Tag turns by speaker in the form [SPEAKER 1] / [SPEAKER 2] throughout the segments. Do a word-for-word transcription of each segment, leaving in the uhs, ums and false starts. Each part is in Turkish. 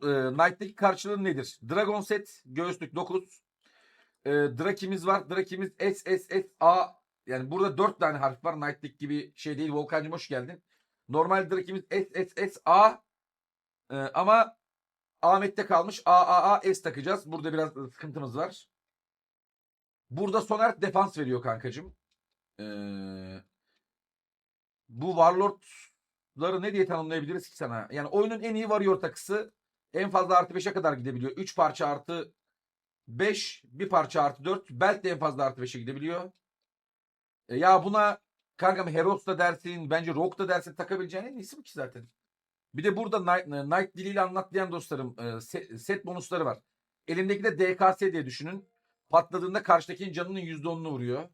[SPEAKER 1] e, Knight'taki karşılığı nedir? Dragon set, göğüslük dokuz. E, Draki'miz var. Draki'miz S S S A. Yani burada dört tane harf var. Knight'lik gibi şey değil. Volkan'cığım hoş geldin. Normal Draki'miz S S S A. E, ama Ahmet'te kalmış. A A A S takacağız. Burada biraz sıkıntımız var. Burada Soner defans veriyor kankacığım. Ee, bu Warlord'ları ne diye tanımlayabiliriz ki sana? Yani oyunun en iyi Warrior takısı. En fazla artı beşe kadar gidebiliyor. üç parça artı beş, bir parça artı dört. Belt de en fazla artı beşe gidebiliyor. E ya buna kankam Heros da dersin, bence Rogue da dersin, takabileceğin en iyisi bu ki zaten. Bir de burada Knight, Knight diliyle anlatlayan dostlarım e, set, set bonusları var. Elimdeki de D K S diye düşünün. Patladığında karşıdakinin canının yüzde onunu vuruyor.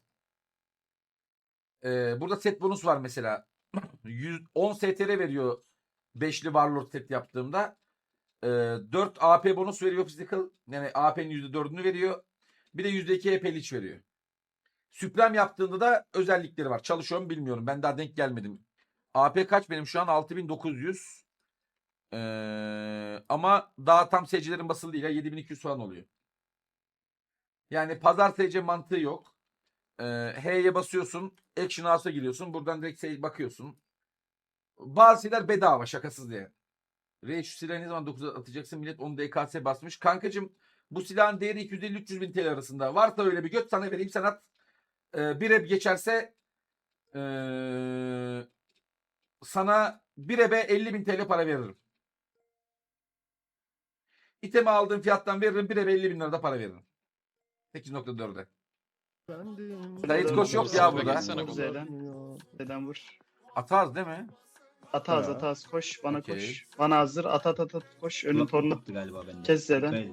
[SPEAKER 1] Ee, burada set bonus var mesela. yüz on S T R veriyor beşli Warlord set yaptığımda. Ee, dört A P bonus veriyor physical. Yani A P'nin yüzde dördünü veriyor. Bir de yüzde iki E P leech veriyor. Supreme yaptığında da özellikleri var. Çalışıyor mu bilmiyorum. Ben daha denk gelmedim. A P kaç benim şu an? altı bin dokuz yüz. Ee, ama daha tam S C'lerin basılı değil. yedi bin iki yüz falan oluyor. Yani pazar S C mantığı yok. Ee, H'ye basıyorsun. Action House'a giriyorsun. Buradan direkt sale bakıyorsun. Bazı şeyler bedava, şakasız diye. Re şu silahı ne zaman dokuza atacaksın? Millet onu D K S basmış. Kankacığım bu silahın değeri iki yüz elli üç yüz bin T L arasında. Varsa öyle bir göt sana vereyim, sen at. Ee, bir rep geçerse ee, sana bir rebe elli bin T L para veririm. İtemi aldığım fiyattan veririm. Bir rebe elli bin lirada para veririm. sekiz nokta dörde. Dayıt koş yok ya burada.
[SPEAKER 2] Z'den. Z'den vur.
[SPEAKER 1] Atarız değil mi?
[SPEAKER 2] Ataz
[SPEAKER 3] Ha.
[SPEAKER 2] ataz koş bana
[SPEAKER 1] Okey.
[SPEAKER 2] koş. Bana hazır at at at at koş. Önün
[SPEAKER 4] Kulak
[SPEAKER 2] torunu
[SPEAKER 4] koptu galiba bende.
[SPEAKER 2] kes Z'den.
[SPEAKER 4] Böyle.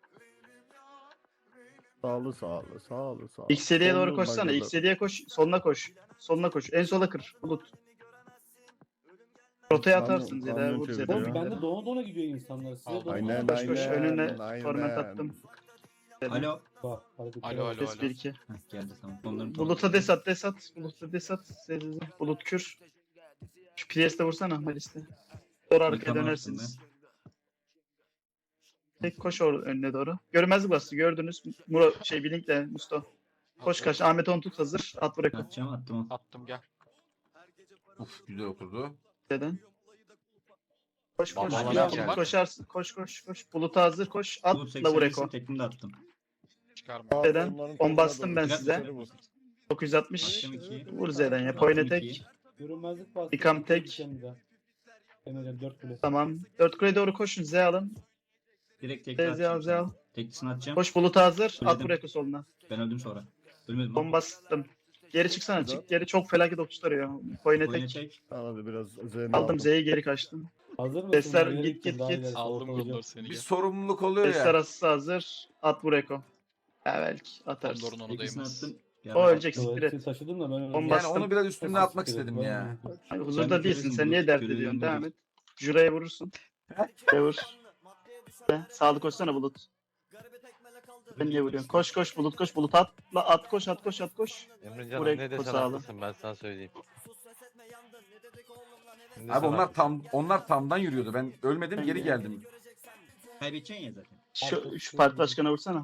[SPEAKER 3] Sağlı sağlı sağlı sağlı.
[SPEAKER 2] X yediye doğru
[SPEAKER 3] Sollu
[SPEAKER 2] koşsana.
[SPEAKER 3] bagalı.
[SPEAKER 2] X yediye koş. Soluna koş. Soluna koş. En sola kır. Bulut. Rotaya
[SPEAKER 3] Kamyon-
[SPEAKER 2] atarsın Z'den.
[SPEAKER 3] kamyon
[SPEAKER 2] Vur
[SPEAKER 3] çeviriyor.
[SPEAKER 2] Z'den.
[SPEAKER 5] Oğlum bende dona dona gidiyor insanlar. Size dona
[SPEAKER 3] Aynen
[SPEAKER 2] Koş, koş,
[SPEAKER 3] aynen.
[SPEAKER 2] önüne
[SPEAKER 3] aynen.
[SPEAKER 2] torment attım.
[SPEAKER 4] Alo.
[SPEAKER 5] Bak, hareketler
[SPEAKER 6] Alo,
[SPEAKER 5] var.
[SPEAKER 6] alo.
[SPEAKER 2] Kes bir iki.
[SPEAKER 4] Heh, geldi tamam. Onların
[SPEAKER 2] Bulut'a des at des at. Bulut'a des at. Z'den. Bulut kür. Şu Priest'e vursana Malis'te. Doğru arkaya
[SPEAKER 4] Tamam,
[SPEAKER 2] dönersiniz. Tek koş or önüne doğru. Görmezlik bastı gördünüz. Muro şey Blink'le Musto. Koş kaç. Ahmet on tut hazır. At bırak.
[SPEAKER 4] Atacağım attım onu.
[SPEAKER 6] Attım gel.
[SPEAKER 1] Uf, güzel oturdu.
[SPEAKER 2] Neden? Koş koş.
[SPEAKER 6] Babalar
[SPEAKER 2] Ya,
[SPEAKER 6] geldi.
[SPEAKER 2] Bulut koşarsın. Koş koş koş. Bulut'a hazır koş.
[SPEAKER 4] Bu
[SPEAKER 2] Atla
[SPEAKER 4] seksen
[SPEAKER 2] vur
[SPEAKER 4] iyisin,
[SPEAKER 2] Eko.
[SPEAKER 4] tekini de attım.
[SPEAKER 6] Çıkarma.
[SPEAKER 2] Z'den.
[SPEAKER 3] Onların
[SPEAKER 2] On bastım ben
[SPEAKER 3] koluna
[SPEAKER 2] size.
[SPEAKER 3] doğru.
[SPEAKER 2] dokuz yüz altmış.
[SPEAKER 4] Attım iki.
[SPEAKER 2] Vur Z'den ya.
[SPEAKER 4] Attım
[SPEAKER 2] Poyne
[SPEAKER 4] iki.
[SPEAKER 2] tek.
[SPEAKER 5] Görünmezlik bastı.
[SPEAKER 2] Yıkam tek.
[SPEAKER 5] Diyeceğim bir daha. Emre'den dört kule.
[SPEAKER 2] Tamam. dört kuleye doğru koşun. Z alın.
[SPEAKER 4] Direkt
[SPEAKER 2] Z
[SPEAKER 4] tekli
[SPEAKER 2] Z al
[SPEAKER 4] atacağım.
[SPEAKER 2] Z al.
[SPEAKER 4] sana. Teklisini atacağım.
[SPEAKER 2] Koş Bulut'a hazır. At
[SPEAKER 4] Söyledim.
[SPEAKER 2] vur Eko soluna.
[SPEAKER 4] Ben öldüm sonra. Ölmedim.
[SPEAKER 2] On
[SPEAKER 4] lan.
[SPEAKER 2] bastım. Geri çıksana.
[SPEAKER 3] Güzel.
[SPEAKER 2] Çık geri. Çok felaket okuşturuyor. Poyne
[SPEAKER 4] Oyuna
[SPEAKER 2] tek.
[SPEAKER 4] tek.
[SPEAKER 3] Abi biraz üzerine
[SPEAKER 2] Aldım Z'yi geri kaçtım.
[SPEAKER 5] Hazır mısın?
[SPEAKER 2] Sesler
[SPEAKER 5] Ben yere
[SPEAKER 2] git,
[SPEAKER 5] gittim,
[SPEAKER 2] git,
[SPEAKER 5] daha
[SPEAKER 2] git.
[SPEAKER 5] ilerisi
[SPEAKER 6] Aldım
[SPEAKER 5] ortalayacağım.
[SPEAKER 6] Gondor seni
[SPEAKER 1] Bir
[SPEAKER 6] gel.
[SPEAKER 1] sorumluluk oluyor
[SPEAKER 2] Sesler
[SPEAKER 1] ya.
[SPEAKER 2] asısı hazır. At vur Eko. Ya belki atarsın.
[SPEAKER 6] Gondor'un onu
[SPEAKER 4] Teklisini
[SPEAKER 6] değmez.
[SPEAKER 4] attım. Ya
[SPEAKER 2] O
[SPEAKER 4] bak,
[SPEAKER 2] ölecek siktir
[SPEAKER 5] Tuvaleti
[SPEAKER 2] et.
[SPEAKER 5] taşıdım da ben öyle.
[SPEAKER 2] On
[SPEAKER 1] Yani
[SPEAKER 2] bastım.
[SPEAKER 1] onu biraz üstüne atmak istedim ya.
[SPEAKER 2] Ay,
[SPEAKER 4] Sen
[SPEAKER 2] huzurda
[SPEAKER 4] bir
[SPEAKER 2] değilsin.
[SPEAKER 4] görelim
[SPEAKER 2] Sen
[SPEAKER 4] bunu,
[SPEAKER 2] niye dert
[SPEAKER 4] görelim
[SPEAKER 2] ediyorsun?
[SPEAKER 4] bunu.
[SPEAKER 2] Devam et. Jura'ya vurursun. Jura'ya vur. Be, Sağlık koşsana Bulut. Ben niye vuruyorum? Koş koş Bulut koş. Bulut atla at koş at koş at koş.
[SPEAKER 7] Emrecan'ım
[SPEAKER 2] Buraya
[SPEAKER 7] ne desen
[SPEAKER 2] koşalım.
[SPEAKER 7] haklısın, ben sana söyleyeyim. Ne
[SPEAKER 1] Abi
[SPEAKER 7] desen
[SPEAKER 1] onlar
[SPEAKER 7] haklısın.
[SPEAKER 1] tam onlar tamdan yürüyordu. Ben ölmedim, geri geldim.
[SPEAKER 4] Kaybedeceksin ya zaten.
[SPEAKER 2] Şu, şu parti başkanına vursana.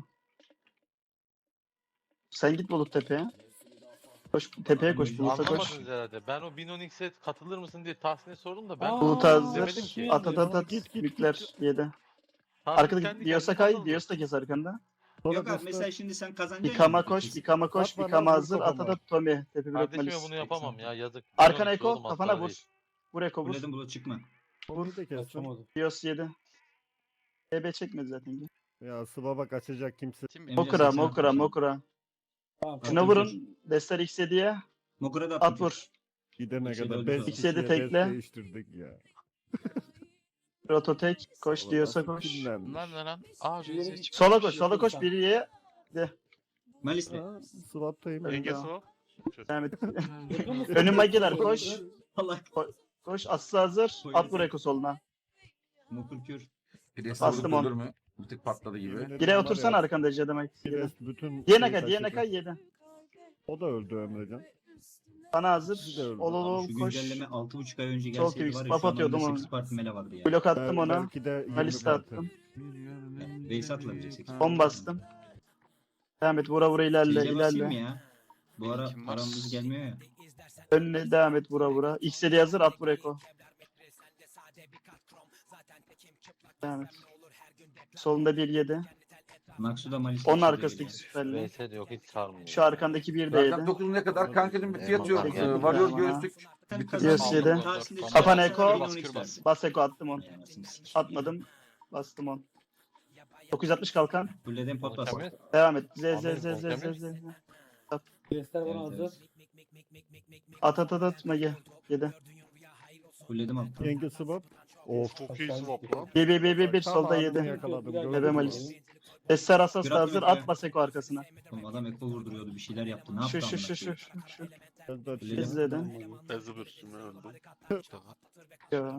[SPEAKER 2] Sen git Bulut tepeye. Koş tepeye koş Bulut'a koş.
[SPEAKER 7] Anlamadınız herhalde. Ben o Binonix'e katılır mısın diye Tahsin'e sordum da ben
[SPEAKER 5] Aa,
[SPEAKER 2] Bulut
[SPEAKER 7] demedim
[SPEAKER 2] hazır.
[SPEAKER 7] ki.
[SPEAKER 2] At at at at.
[SPEAKER 3] Git, git,
[SPEAKER 2] Bükler yedi.
[SPEAKER 7] Tahsin
[SPEAKER 2] Arkada
[SPEAKER 7] kendi
[SPEAKER 2] Dios'a
[SPEAKER 7] kendine
[SPEAKER 2] kay.
[SPEAKER 7] katıldı.
[SPEAKER 2] Dios da kes arkanda.
[SPEAKER 3] Sonra
[SPEAKER 4] Yok abi
[SPEAKER 3] göster.
[SPEAKER 4] mesela şimdi sen kazanacaksın.
[SPEAKER 2] Yıkama
[SPEAKER 4] ya.
[SPEAKER 2] koş. Yıkama koş.
[SPEAKER 3] At bana,
[SPEAKER 2] Yıkama
[SPEAKER 3] vur
[SPEAKER 2] hazır. At
[SPEAKER 3] kafama.
[SPEAKER 2] at at Tommy. Tepe blok
[SPEAKER 7] Kardeşime
[SPEAKER 2] malis.
[SPEAKER 7] bunu yapamam ya, yazık.
[SPEAKER 2] Arkana
[SPEAKER 7] Binonix oğlum,
[SPEAKER 2] Eko. Kafana
[SPEAKER 7] hastane
[SPEAKER 2] vur.
[SPEAKER 7] değil.
[SPEAKER 2] Vur Eko vur.
[SPEAKER 4] Buledim bulut çıkma.
[SPEAKER 3] Onu da kestim.
[SPEAKER 5] Kaçamadı.
[SPEAKER 2] Dios yedi. E B çekmedi zaten.
[SPEAKER 3] Ya Sıvaba kaçacak kimse.
[SPEAKER 6] Tim
[SPEAKER 4] Emre
[SPEAKER 2] Mokura
[SPEAKER 4] seksen
[SPEAKER 2] Mokura
[SPEAKER 4] atmış.
[SPEAKER 2] Mokura.
[SPEAKER 5] Tamam,
[SPEAKER 2] Şuna
[SPEAKER 4] Attım
[SPEAKER 2] vurun. Destar X yediye.
[SPEAKER 4] Mokura da attım.
[SPEAKER 2] At vur.
[SPEAKER 3] Gidene
[SPEAKER 4] İkisi de
[SPEAKER 3] kadar
[SPEAKER 4] öldü
[SPEAKER 3] beş
[SPEAKER 4] sonra.
[SPEAKER 2] İkisi de
[SPEAKER 3] kişiye
[SPEAKER 2] tekle.
[SPEAKER 3] beş değiştirdik ya.
[SPEAKER 2] Rototek. Koş
[SPEAKER 3] Ulan
[SPEAKER 2] Dios'a
[SPEAKER 3] nasıl
[SPEAKER 2] koş.
[SPEAKER 3] kinlenmiş?
[SPEAKER 6] Bunlar ne lan? Aa
[SPEAKER 5] Şu yere
[SPEAKER 6] J S
[SPEAKER 5] git.
[SPEAKER 6] çıktı.
[SPEAKER 2] Sola koş. Sola koş. Biriye.
[SPEAKER 4] Malis'le.
[SPEAKER 3] Ha, Swap'tayım.
[SPEAKER 2] Öyle.
[SPEAKER 7] Yengesi o.
[SPEAKER 2] Devam et.
[SPEAKER 5] Vurdun mu?
[SPEAKER 2] Önüm magiler koş.
[SPEAKER 4] Allah.
[SPEAKER 2] Koş. Aslı hazır. At vur Eko soluna.
[SPEAKER 4] Mokur kür.
[SPEAKER 1] Pires
[SPEAKER 2] Bastım
[SPEAKER 1] vurdu
[SPEAKER 2] on.
[SPEAKER 1] ölür mü? Bir tık patladı gibi.
[SPEAKER 2] Gire otursana arkanda Ece demek.
[SPEAKER 3] Pires bütün
[SPEAKER 2] Diğerine
[SPEAKER 3] şeyi
[SPEAKER 2] kay. Diğerine
[SPEAKER 3] taşıdı.
[SPEAKER 2] kay yedi.
[SPEAKER 3] O da öldü Emrecan.
[SPEAKER 2] Bana
[SPEAKER 3] Siz de
[SPEAKER 2] hazır.
[SPEAKER 3] öldü.
[SPEAKER 2] Ol ol
[SPEAKER 4] Abi
[SPEAKER 2] ol
[SPEAKER 4] şu
[SPEAKER 2] koş.
[SPEAKER 4] güncelleme altı buçuk ay önce
[SPEAKER 2] Çok
[SPEAKER 4] gelseydi
[SPEAKER 2] büyük
[SPEAKER 4] var ya
[SPEAKER 2] spam
[SPEAKER 4] şu an
[SPEAKER 2] atıyordum
[SPEAKER 4] onda
[SPEAKER 2] onu.
[SPEAKER 4] sekiz parti mele vardı ya.
[SPEAKER 2] Blok attım
[SPEAKER 3] Bel-
[SPEAKER 2] ona.
[SPEAKER 3] Belki de yirmi
[SPEAKER 2] Maliste
[SPEAKER 3] parti.
[SPEAKER 2] attım.
[SPEAKER 4] Base atılabilir sekiz.
[SPEAKER 2] on bastım. Devam et vura vura ilerle
[SPEAKER 4] Gece basayım mı
[SPEAKER 2] ilerle.
[SPEAKER 4] ya? Bu ara
[SPEAKER 6] Kim var?
[SPEAKER 4] paramız gelmiyor ya.
[SPEAKER 2] Önüne devam et vura vura. X'e hazır at vur Eko. Devam et. Solunda bir yedi.
[SPEAKER 4] Maksu da Malis.
[SPEAKER 2] Onun arkasındaki süperli.
[SPEAKER 7] V S de yok hiç sarmıyor.
[SPEAKER 2] Şu arkandaki bir de
[SPEAKER 1] Rakam
[SPEAKER 2] yedi.
[SPEAKER 1] dokuz ne kadar? Kankacığım bir fiyat yok.
[SPEAKER 6] Eyvallah.
[SPEAKER 1] Ee, Varıyor
[SPEAKER 2] Eyvallah.
[SPEAKER 1] göğüslük.
[SPEAKER 4] Bir
[SPEAKER 2] Diyoruz yedi. Kapan Eko. Bas Eko attım on. Atmadım. Bastım on. dokuz yüz altmış kalkan.
[SPEAKER 4] Fulledim pot bas.
[SPEAKER 7] Kamil,
[SPEAKER 2] Devam et. Z z
[SPEAKER 7] Aferin,
[SPEAKER 2] z z z
[SPEAKER 7] Kamil.
[SPEAKER 2] z.
[SPEAKER 5] Göster bana
[SPEAKER 4] Evet,
[SPEAKER 5] hazır.
[SPEAKER 4] evet.
[SPEAKER 2] At at at at Mage. yedi.
[SPEAKER 4] Fulledim attım.
[SPEAKER 3] Yenge swap. Of.
[SPEAKER 6] Çok iyi swap lan.
[SPEAKER 2] bir bir bir bir bir
[SPEAKER 3] Tam
[SPEAKER 2] solda
[SPEAKER 3] ağzını
[SPEAKER 2] yedi.
[SPEAKER 3] yakaladım.
[SPEAKER 5] Bebe
[SPEAKER 3] gördün mü?
[SPEAKER 2] Malis. Esser Asas da
[SPEAKER 4] Bırak
[SPEAKER 2] hazır.
[SPEAKER 4] bırak
[SPEAKER 2] At
[SPEAKER 4] ya.
[SPEAKER 2] bas Eko arkasına.
[SPEAKER 4] Oğlum adam eko vurduruyordu bir şeyler yaptı. Ne
[SPEAKER 2] Şu
[SPEAKER 4] yaptı
[SPEAKER 2] şu şu şu
[SPEAKER 4] amına
[SPEAKER 2] şu. şu.
[SPEAKER 3] Ben de
[SPEAKER 4] Fulledim.
[SPEAKER 2] İzledim.
[SPEAKER 6] Bezi bürsümü öldü.
[SPEAKER 2] Ya.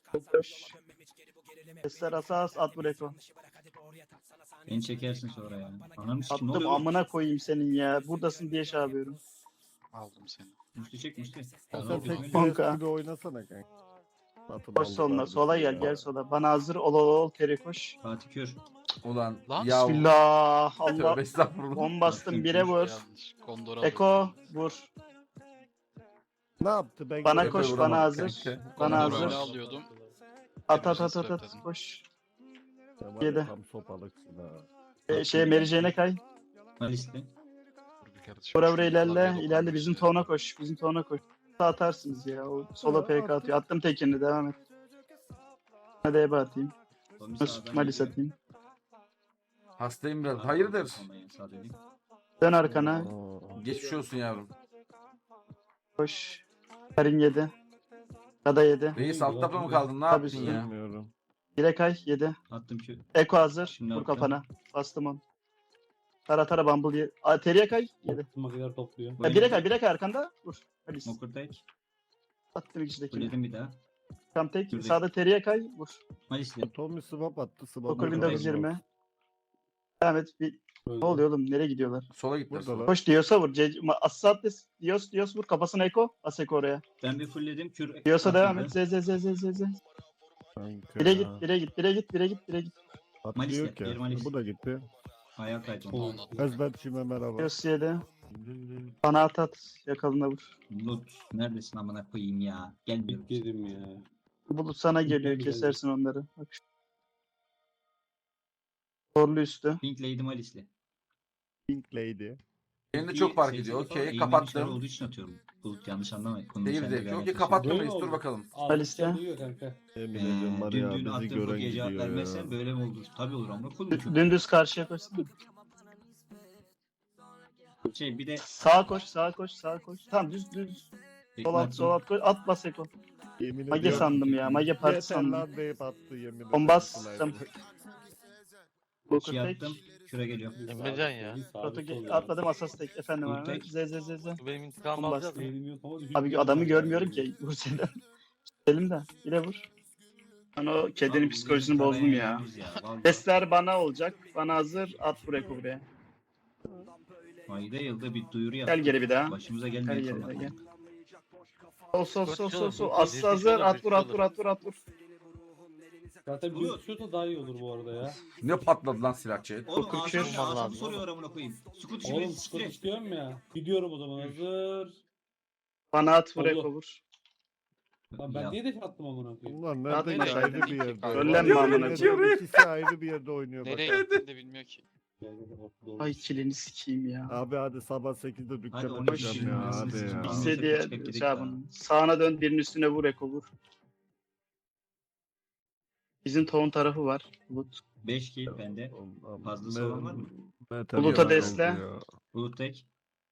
[SPEAKER 2] Esser Asas at vur Eko.
[SPEAKER 4] Beni çekersin sonra ya. Ananı sikim ne
[SPEAKER 2] Attım
[SPEAKER 4] oluyor?
[SPEAKER 2] amına koyayım senin ya. Buradasın diye şey yapıyorum.
[SPEAKER 6] Aldım seni.
[SPEAKER 4] Müslü çek Müslü.
[SPEAKER 3] Sen
[SPEAKER 4] Adam
[SPEAKER 3] tek
[SPEAKER 4] gözüme-
[SPEAKER 2] Kanka.
[SPEAKER 3] bir gibi oynasana kanka. Satın
[SPEAKER 2] Koş
[SPEAKER 3] aldı
[SPEAKER 2] soluna.
[SPEAKER 3] sadece
[SPEAKER 2] Sola gel
[SPEAKER 3] ya.
[SPEAKER 2] gel sola. Bana hazır ol ol ol Teri koş.
[SPEAKER 4] Fatih Kör.
[SPEAKER 1] Ulan
[SPEAKER 6] Lan,
[SPEAKER 1] ya.
[SPEAKER 2] Bismillah. Allah.
[SPEAKER 1] Tövbe estağfurullah.
[SPEAKER 2] on bastım bire vur.
[SPEAKER 6] Yanlış. Kondor
[SPEAKER 2] Eko vur.
[SPEAKER 3] Ne yaptı? Ben
[SPEAKER 2] Bana
[SPEAKER 1] Efe
[SPEAKER 2] koş
[SPEAKER 1] vuramadı
[SPEAKER 2] bana hazır.
[SPEAKER 1] kanka.
[SPEAKER 2] Bana
[SPEAKER 6] Kondor
[SPEAKER 2] hazır.
[SPEAKER 6] öyle alıyordum.
[SPEAKER 2] At at at at at koş.
[SPEAKER 3] Sen var ya,
[SPEAKER 2] Yedi.
[SPEAKER 3] Tam sopalıksın ha.
[SPEAKER 2] Ee, şeye Merice'ne kay.
[SPEAKER 4] Malis'le.
[SPEAKER 6] Dur bir kere dışarı
[SPEAKER 2] Bura buraya
[SPEAKER 6] çıkayım.
[SPEAKER 2] ilerle.
[SPEAKER 6] Klavye
[SPEAKER 2] İlerle bizim
[SPEAKER 6] dokunmuş
[SPEAKER 2] tona koş. Bizim tona koş. Sağ atarsınız ya. O sola P K atıyor. Attım tekini devam et. Hadi Ebe atayım.
[SPEAKER 4] Tommy
[SPEAKER 2] Dur,
[SPEAKER 4] sağdan
[SPEAKER 2] Malis
[SPEAKER 4] geliyor.
[SPEAKER 2] atayım.
[SPEAKER 1] Hastayım biraz.
[SPEAKER 4] Sağdan
[SPEAKER 1] Hayırdır?
[SPEAKER 4] kalmaya, sağ döneyim.
[SPEAKER 2] Dön arkana.
[SPEAKER 3] Aa,
[SPEAKER 1] Geçmiş olsun yavrum.
[SPEAKER 2] Koş. Karin yedi. Kada yedi.
[SPEAKER 1] Reis alt tapa mı kaldın? Ne
[SPEAKER 2] Tabii
[SPEAKER 1] yaptın
[SPEAKER 2] ki.
[SPEAKER 1] ya?
[SPEAKER 3] Bilmiyorum.
[SPEAKER 2] Bire kay yedi.
[SPEAKER 4] Attım ki.
[SPEAKER 2] Eko hazır.
[SPEAKER 4] Şimdi
[SPEAKER 2] Vur
[SPEAKER 4] attım.
[SPEAKER 2] kafana. Bastım on. Tara tara bumble ye. Aa, Teriye kay. Yedi.
[SPEAKER 5] Makineler topluyor.
[SPEAKER 2] Ya bire kay. Bire kay arkanda. Vur. Malis.
[SPEAKER 4] Mokur tek.
[SPEAKER 2] Attım içindekini.
[SPEAKER 4] Fulledim bir daha.
[SPEAKER 2] Tam tek.
[SPEAKER 4] Şuradaki.
[SPEAKER 2] Sağda Teriye kay. Vur.
[SPEAKER 4] Malis'le.
[SPEAKER 3] Tommy swap attı. Swap
[SPEAKER 2] Okur
[SPEAKER 4] Mokur
[SPEAKER 2] Windows yirmi. Devam et. Bir... Ne oluyor oğlum? Nereye gidiyorlar?
[SPEAKER 1] Sola gittiler
[SPEAKER 3] Burada
[SPEAKER 1] sola.
[SPEAKER 3] lan.
[SPEAKER 2] Koş Dios'a vur. Ce- Ma- Assates. Dios. Dios vur. Kafasına Eko. As Eko oraya.
[SPEAKER 4] Ben bir fullledim. Kür.
[SPEAKER 2] Dios'a devam
[SPEAKER 4] atıldı.
[SPEAKER 2] et. Z z z z z z.
[SPEAKER 3] Kanka.
[SPEAKER 2] Bire git. Bire git. Bire git. Bire git. Bire git.
[SPEAKER 3] Atlıyor
[SPEAKER 4] Malis,
[SPEAKER 3] ki.
[SPEAKER 4] bir Malis.
[SPEAKER 3] Bu da gitti.
[SPEAKER 4] Ayağa kaydı.
[SPEAKER 5] Oğlum.
[SPEAKER 3] Ezberçime merhaba.
[SPEAKER 2] Dios yedi. Bana at at. Yakalına vur.
[SPEAKER 4] Lut. Neredesin amına koyayım ya. Gelmiyorum.
[SPEAKER 5] Yedim ya.
[SPEAKER 2] Bulut sana geliyor.
[SPEAKER 5] Geldi.
[SPEAKER 2] Kesersin onları. Bak. şu- Torlu üstü.
[SPEAKER 4] Pink Lady Malis'le.
[SPEAKER 3] Pink Lady.
[SPEAKER 1] Benim de
[SPEAKER 4] İyi,
[SPEAKER 1] çok fark
[SPEAKER 4] seyirci
[SPEAKER 1] ediyor.
[SPEAKER 4] falan
[SPEAKER 1] Okey
[SPEAKER 4] eğimli işler
[SPEAKER 1] kapattım.
[SPEAKER 4] olduğu için atıyorum. Bulut yanlış anlamayın. Konu
[SPEAKER 1] Değil
[SPEAKER 4] içinde
[SPEAKER 1] de.
[SPEAKER 4] bir
[SPEAKER 1] Okey
[SPEAKER 4] alakası
[SPEAKER 1] kapattım
[SPEAKER 5] Böyle
[SPEAKER 1] reis.
[SPEAKER 5] mi
[SPEAKER 1] Dur
[SPEAKER 5] oldu?
[SPEAKER 1] bakalım.
[SPEAKER 2] Malis'te.
[SPEAKER 5] Almışlar duyuyor kanka.
[SPEAKER 3] Yemin
[SPEAKER 4] Ee,
[SPEAKER 3] ediyorum var
[SPEAKER 4] dün
[SPEAKER 3] ya
[SPEAKER 4] dün
[SPEAKER 3] bizi
[SPEAKER 4] attığım
[SPEAKER 3] gören
[SPEAKER 4] bu gece cevap
[SPEAKER 3] gidiyor
[SPEAKER 4] vermezsen
[SPEAKER 3] ya.
[SPEAKER 4] böyle mi olur? Tabii olur ama kulum çok.
[SPEAKER 2] Dümdüz karşıya koşsana.
[SPEAKER 4] Şey bir de
[SPEAKER 2] Sağa koş. Sağa koş. Sağa koş. Tamam düz düz. Sol at. Sol at koş. At bas Eko.
[SPEAKER 3] Yemin
[SPEAKER 2] Mage
[SPEAKER 3] ediyorum.
[SPEAKER 2] sandım ya. Mage parti
[SPEAKER 3] Yeter
[SPEAKER 2] sandım.
[SPEAKER 3] lan deyip attı yemin ederim.
[SPEAKER 2] On bastım. Bokur
[SPEAKER 4] şey
[SPEAKER 2] tek.
[SPEAKER 4] yaptım. Şura geliyor.
[SPEAKER 7] Emrecan ya.
[SPEAKER 2] Proto atladım asas tek. Efendim
[SPEAKER 4] Bulut
[SPEAKER 2] abi.
[SPEAKER 4] tek.
[SPEAKER 2] Z z z z.
[SPEAKER 7] Bu benim intikamımı
[SPEAKER 2] On
[SPEAKER 7] alacağız
[SPEAKER 2] bastım.
[SPEAKER 7] mı?
[SPEAKER 2] Abi adamı görmüyorum ki. Vur seni. Elim de. Yine vur. Ben o kedinin
[SPEAKER 4] Abi,
[SPEAKER 2] psikolojisini
[SPEAKER 4] bizim
[SPEAKER 2] bozdum ya.
[SPEAKER 4] paraya yüz vallahi.
[SPEAKER 2] Testler bana olacak. Bana hazır. At buraya buraya.
[SPEAKER 4] Ayda yılda bir duyuru yap.
[SPEAKER 2] Gel geri bir daha.
[SPEAKER 4] Başımıza
[SPEAKER 2] Gel
[SPEAKER 4] gelmeyen
[SPEAKER 2] geri de
[SPEAKER 4] falan.
[SPEAKER 2] gel. Sol sol sol sol sol.
[SPEAKER 7] Koşuyor,
[SPEAKER 2] Aslı hazır. At vur at vur
[SPEAKER 7] koşuyor.
[SPEAKER 2] at vur at vur.
[SPEAKER 5] Zaten bir şutu daha iyi olur bu arada ya.
[SPEAKER 1] Ne patladı lan silahçı?
[SPEAKER 4] Oğlum
[SPEAKER 2] Dokuz
[SPEAKER 4] ağzını
[SPEAKER 2] kür.
[SPEAKER 4] ağzını
[SPEAKER 7] Lazım.
[SPEAKER 4] soruyor amına koyayım. Sukut işi
[SPEAKER 5] Oğlum
[SPEAKER 4] beni
[SPEAKER 5] skor
[SPEAKER 4] sikti.
[SPEAKER 5] istiyorum ya. Gidiyorum o zaman hazır.
[SPEAKER 2] Bana at vur
[SPEAKER 5] Allah.
[SPEAKER 2] Eko vur.
[SPEAKER 5] Lan ben
[SPEAKER 4] Ya,
[SPEAKER 5] niye de attım amına koyayım?
[SPEAKER 3] Bunlar
[SPEAKER 2] Nerede
[SPEAKER 3] nerede
[SPEAKER 2] yaşadı?
[SPEAKER 3] ayrı bir yerde.
[SPEAKER 2] Söylenme
[SPEAKER 3] Yemin
[SPEAKER 2] amına
[SPEAKER 3] ediyorum,
[SPEAKER 1] koyayım.
[SPEAKER 3] İkisi ayrı bir yerde oynuyor bak.
[SPEAKER 6] Nereye gittiğini de bilmiyor ki.
[SPEAKER 2] Ay kilini sikeyim ya.
[SPEAKER 3] Abi hadi sabah sekizde
[SPEAKER 4] Hadi
[SPEAKER 3] dükkan
[SPEAKER 4] on üç
[SPEAKER 3] açacağım
[SPEAKER 4] yirmi
[SPEAKER 3] ya
[SPEAKER 4] arasını
[SPEAKER 3] hadi
[SPEAKER 4] seçin.
[SPEAKER 3] ya.
[SPEAKER 4] Biz-
[SPEAKER 2] İstediği
[SPEAKER 4] Çıkıp gidelim
[SPEAKER 2] şey yapın. Sağına dön birinin üstüne vur Eko vur. Bizim tohum tarafı var. Bulut.
[SPEAKER 4] beş kill bende. Fazlası
[SPEAKER 3] Ne-
[SPEAKER 4] olan var mı?
[SPEAKER 3] ne
[SPEAKER 2] Bulut'a
[SPEAKER 3] tabii
[SPEAKER 2] desle.
[SPEAKER 3] oldu ya.
[SPEAKER 4] Bulut tek.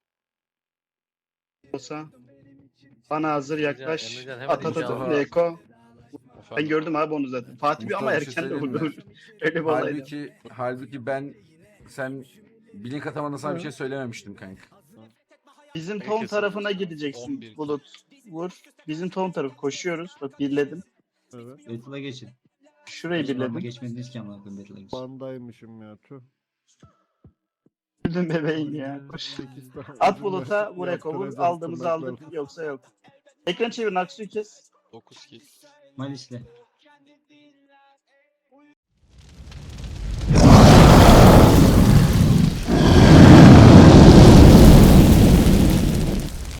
[SPEAKER 2] Olsa. Bana hazır yaklaş.
[SPEAKER 7] Emrecan, hemen
[SPEAKER 2] At at at.
[SPEAKER 1] Mustafa.
[SPEAKER 2] Eko. Ben
[SPEAKER 6] Efendim?
[SPEAKER 2] gördüm abi onu zaten. Fatih bir ama
[SPEAKER 1] Mustafa, bir şey
[SPEAKER 2] erken de
[SPEAKER 1] söyleyeyim mi?
[SPEAKER 2] vurdu. Öyle bir olaydı.
[SPEAKER 1] Halbuki, halbuki ben sen bilink atamadın sana bir şey söylememiştim kanka.
[SPEAKER 2] Bizim
[SPEAKER 6] Peki,
[SPEAKER 2] tohum
[SPEAKER 6] sen-
[SPEAKER 2] tarafına
[SPEAKER 6] on
[SPEAKER 2] gideceksin
[SPEAKER 6] bir.
[SPEAKER 2] Bulut. Vur. Bizim tohum tarafı koşuyoruz. Bak birledim.
[SPEAKER 3] Evet.
[SPEAKER 4] Battle'a geçin.
[SPEAKER 2] Şurayı
[SPEAKER 4] Hiç normal
[SPEAKER 2] birledim.
[SPEAKER 4] geçmediniz ki amına koyayım Battle'a geçin.
[SPEAKER 3] Bandaymışım ya tüh.
[SPEAKER 2] Öldüm bebeğim ya. Koş. At buluta buraya kovur. Aldığımızı aldık. Yoksa yok. Ekran çevir. Naksu'yu kes.
[SPEAKER 6] dokuz kill.
[SPEAKER 4] Malis'le.